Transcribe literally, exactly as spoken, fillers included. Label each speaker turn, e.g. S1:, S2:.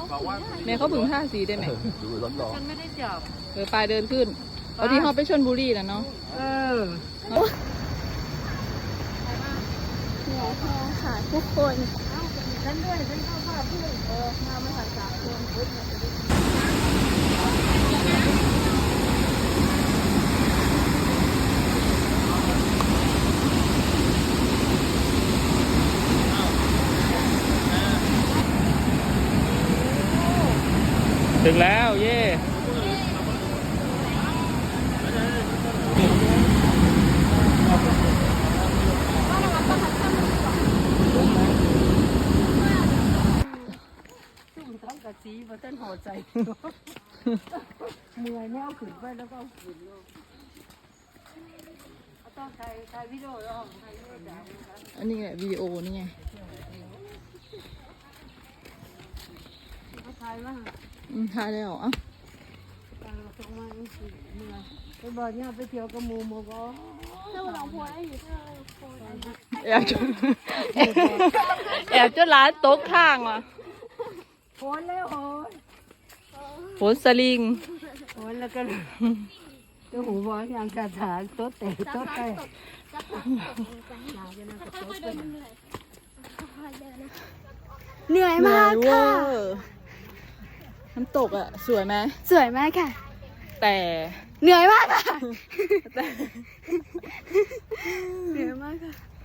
S1: แม่เขาบึงท่าสีได้ไหม
S2: ดูร้อนร้อน
S3: ฉันไม่ได้จับ
S1: เออปลายเดินขึ้นเอาที่เขาไปชลบุรีแล้วเนาะ
S3: เออ
S4: เหนื่อยแห้งค่ะทุกคน
S3: ฉันด้วยฉันเข้าภาพเพื่อนเออมาไม่ถ่ายสามคนพุทธ
S1: ถึงแล้วเย่
S3: ซึ่งทั้งกะจีมาเต้นหัวใจเมื่อยแนวขึ้นไปแล้วก็ขึ้นลงต้องถ่ายถ่ายวิดีโอแล้วถ่ายวิดีโอจ้า
S1: อันนี้แหละวิดีโอนี่ไง
S3: เขาถ่ายมา
S1: อืมถ่ายแล้วเอ้า
S3: ตาส่งมาอีกเมื่อยไปบอกเนี่ยไปเที่ยวกับหมูหมูก็
S4: ถ้าเราโพสอยู่ถ้าเราโพส
S1: แอบจนแอบจนร้านโต๊ะข้างว่ะ
S3: โอนแล้วโอน
S1: โหนสลิง
S3: โอนแล้วก็ตัวหูบอลอย่างกระถางโต๊ะเตะโต๊ะเตะ
S4: จะตกหนาจะนั่งกับโต๊ะเป็นเหนื่อยเหนื่อยมาก
S1: เหนื่อย
S4: ค่ะ
S1: เวอร์น้ำตกอ่ะ สวยไหม
S4: สวยมากค่ะ
S1: แต่
S4: เหนื่อยมากค่ะ
S1: แต่
S4: เหนื่อยมากค่ะ